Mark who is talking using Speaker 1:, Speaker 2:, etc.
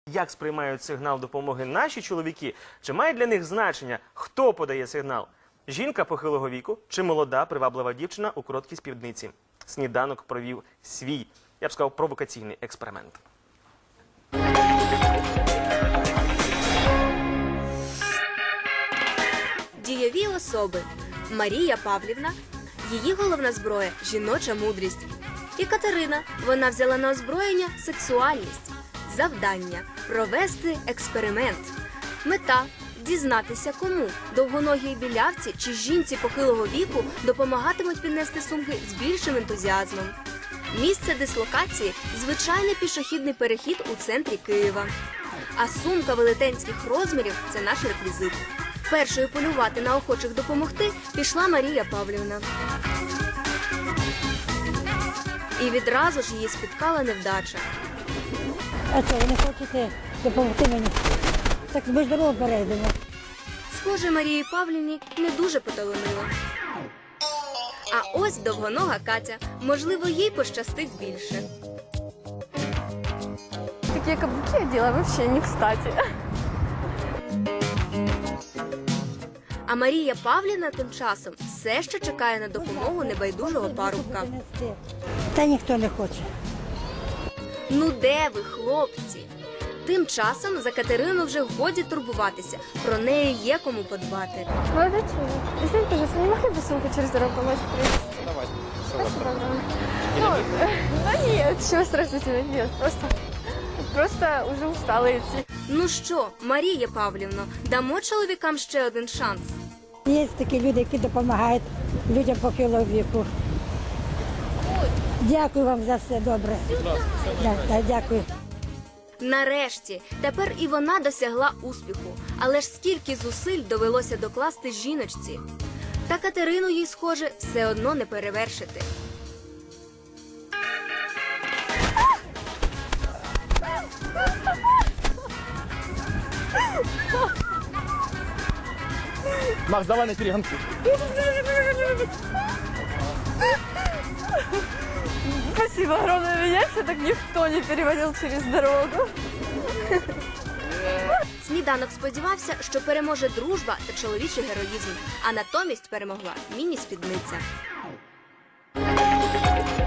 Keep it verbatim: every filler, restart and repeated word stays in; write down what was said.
Speaker 1: Як сприймають сигнал допомоги наші чоловіки? Чи має для них значення, хто подає сигнал? Жінка похилого віку чи молода приваблива дівчина у короткій спідниці? Сніданок провів свій, я б сказав, провокаційний експеримент.
Speaker 2: Дієві особи. Марія Павлівна. Її головна зброя – жіноча мудрість. І Катерина. Вона взяла на озброєння сексуальність. Завдання – провести експеримент. Мета – дізнатися, кому – довгоногій білявці чи жінці похилого віку допомагатимуть піднести сумки з більшим ентузіазмом. Місце дислокації – звичайний пішохідний перехід у центрі Києва. А сумка велетенських розмірів – це наш реквізит. Першою полювати на охочих допомогти пішла Марія Павлівна. І відразу ж її спіткала невдача.
Speaker 3: А що, ви не хочете допомогти мені? Так ми ж дорогу перейдемо.
Speaker 2: Схоже, Марії Павлівні не дуже поталанило. А ось довгонога Катя. Можливо, їй пощастить більше.
Speaker 4: Такие каблуки одела вообще не кстати.
Speaker 2: А Марія Павлівна тим часом все ще чекає на допомогу небайдужого парубка.
Speaker 3: Та ніхто не хоче.
Speaker 2: Ну де ви, хлопці? Тим часом за Катерину вже годі турбуватися. Про неї є кому подбати.
Speaker 4: Молодой человек, извините, пожалуйста, не могли бы сумку через дорогу помочь привезти?
Speaker 5: Давай.
Speaker 4: Спасибо огромное. Ну, э, да нет, чего страшного нет, просто, просто уже устала идти.
Speaker 2: Ну що, Марія Павлівно, дамо чоловікам ще один шанс?
Speaker 3: Є такі люди, які допомагають людям похилого віку. Дякую вам за все добре. Да, да, дякую.
Speaker 2: Нарешті, тепер і вона досягла успіху. Але ж скільки зусиль довелося докласти жіночці. Та Катерину їй, схоже, все одно не перевершити.
Speaker 5: Макс, давай на перегонки.
Speaker 4: Спасибо огромное, меня все так никто не переводил через дорогу.
Speaker 2: Сніданок сподівався, що переможе дружба та чоловічий героїзм, а натомість перемогла міні-спідниця.